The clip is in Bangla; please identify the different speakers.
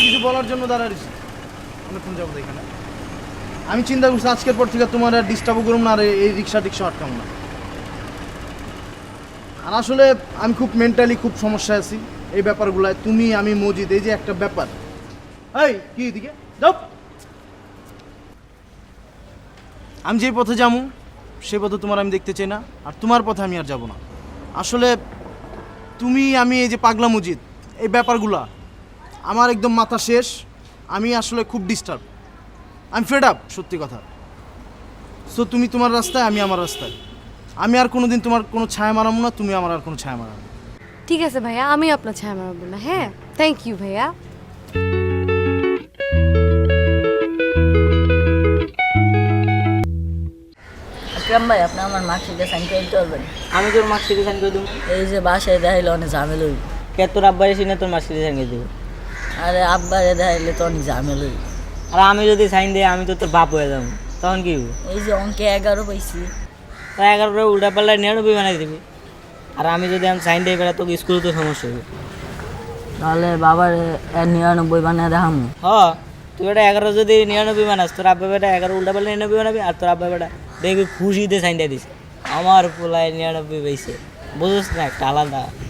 Speaker 1: কিছু বলার জন্য দাঁড়াইছি অনেকক্ষণ যাবো এখানে। আমি চিন্তা করছি আজকের পর থেকে তোমার আর ডিস্টার্বও করুম না, আর এই রিক্সা টিক্সা আটকাম না। আর আসলে আমি খুব মেন্টালি খুব সমস্যায় আছি এই ব্যাপারগুলায়। তুমি আমি মজিদ, এই যে একটা ব্যাপার। এই কি এদিকে যাও। আমি যে পথে যাবো সে পথে তোমার আমি দেখতে চাই না, আর তোমার পথে আমি আর যাব না। আসলে তুমি আমি এই যে পাগলা মজিদ, এই ব্যাপারগুলা আমার একদম মাথা শেষ। আমি আসলে খুব ডিস্টার্ব, আমি ফেড আপ সত্যি কথা। সো তুমি তোমার রাস্তায়, আমি আমার রাস্তায়। আমি আর কোনোদিন তোমার কোনো ছায়া মারাবো না, তুমি আমার আর কোনো ছায়া মারাবো না।
Speaker 2: ঠিক আছে ভাইয়া, আমি আপনার ছায়া মারাবো না। হ্যাঁ, থ্যাংক ইউ ভাইয়া।
Speaker 3: আকরাম ভাই, আপনি আমার মার্কশিটে সাইন করে দিতে পারবেন?
Speaker 4: আমি তোর মার্কশিটে সাইন করে দেবো।
Speaker 3: এই যে বাসায় দেখাইলে অনেক ঝামেলা হইব।
Speaker 4: কে তোর আব্বার এসে না তোর মার্কশিটে সাইন করে দেবো?
Speaker 3: আরে আব্বারে দেখাইলে তো অনেক ঝামেলা হইব।
Speaker 4: আর আমি যদি সাইন দিই আমি তো তোর বাপ হয়ে যাবো, তখন কি হবো?
Speaker 3: এই যে অঙ্কে 11 পাইছি।
Speaker 4: তা 11 উল্টা পাল্লায় 99 বানাই দিবি। আর আমি যদি আমি সাইন দিই বেড়া তোকে স্কুলে তো সমস্যা হবে।
Speaker 3: তাহলে বাবার 99 বানিয়ে দেখামু।
Speaker 4: হ, তুই বেটা 11 যদি 99 বানাস, তোর আব্বা বেটা 11 উল্টা পাল্লা 99 বানাবি, আর তোর আব্বা বেটা দেখবি খুশিতে সাইন দিয়ে দিস আমার পোলায় 99 পাইছে। বুঝিস না, একটা আলাদা